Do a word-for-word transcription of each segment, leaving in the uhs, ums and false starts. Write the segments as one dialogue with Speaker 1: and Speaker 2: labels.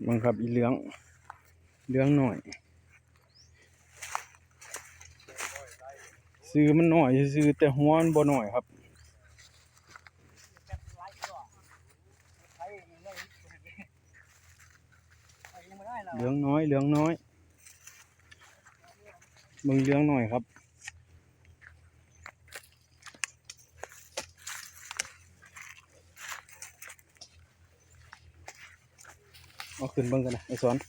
Speaker 1: บังคับอีเหลืองเหลืองหน่อยซื้อมันหน่อยซื้อแต่หัวมันบ่หน่อยครับเหลืองน้อยเหลืองน้อยมึงเหลืองหน่อยครับเอาขึ้นเบิ่งกันนะไอ้สอน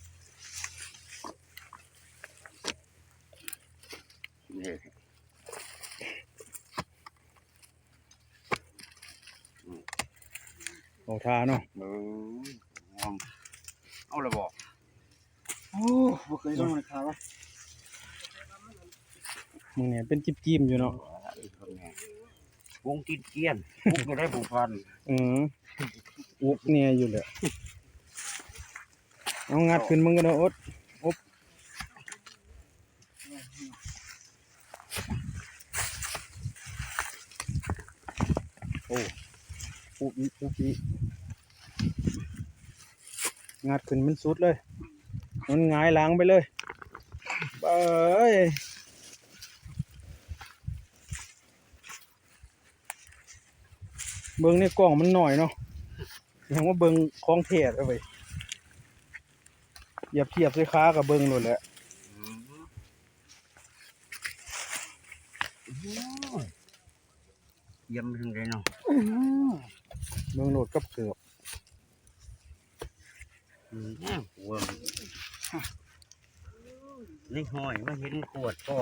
Speaker 1: เอาทาเนาะ
Speaker 2: เออเอาละบอก
Speaker 3: โอ้บ่เคยต้องราคาวะ
Speaker 1: มึงเนี่ยเป็นจิบจิ้มอยู่เนาะ
Speaker 2: วงกินเกี้ยนพุกจะได้ผูกพัน
Speaker 1: อืออุกเนี่ยอยู่เลยเอางัดขึ้นมึงกันเนาะอดอบโอ้อุบอีอุบอีงัดขึ้นมันสุดเลยมันหงายหลังไปเลยเอ้ยเบิ้งในกล่องมันหน่อยเนาะยังว่าเบิ้งคล้องเทศเอาไปอย่าเทียบด้วยค้ากับเบิ้งหมดแหละ
Speaker 2: เยี่ยมถึงเลยเนาะ
Speaker 1: เบิ้งโหลดกับเกือบ
Speaker 2: หัวนี่หอยมาเห็นขวดก็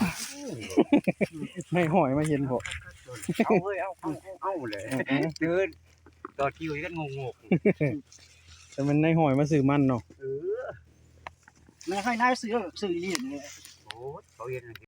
Speaker 1: ไม่หอยมาเห็นพอ
Speaker 2: เอาเฮ้ยเอาเอาเอาเลยเดินต่อคิวกันงงง
Speaker 1: แต่มันในหอยมาสื่อมันเนาะ
Speaker 3: เออไม่ให้นายซื้อซื้ออีหลีเนี่ย
Speaker 2: โอ้เขาเห็น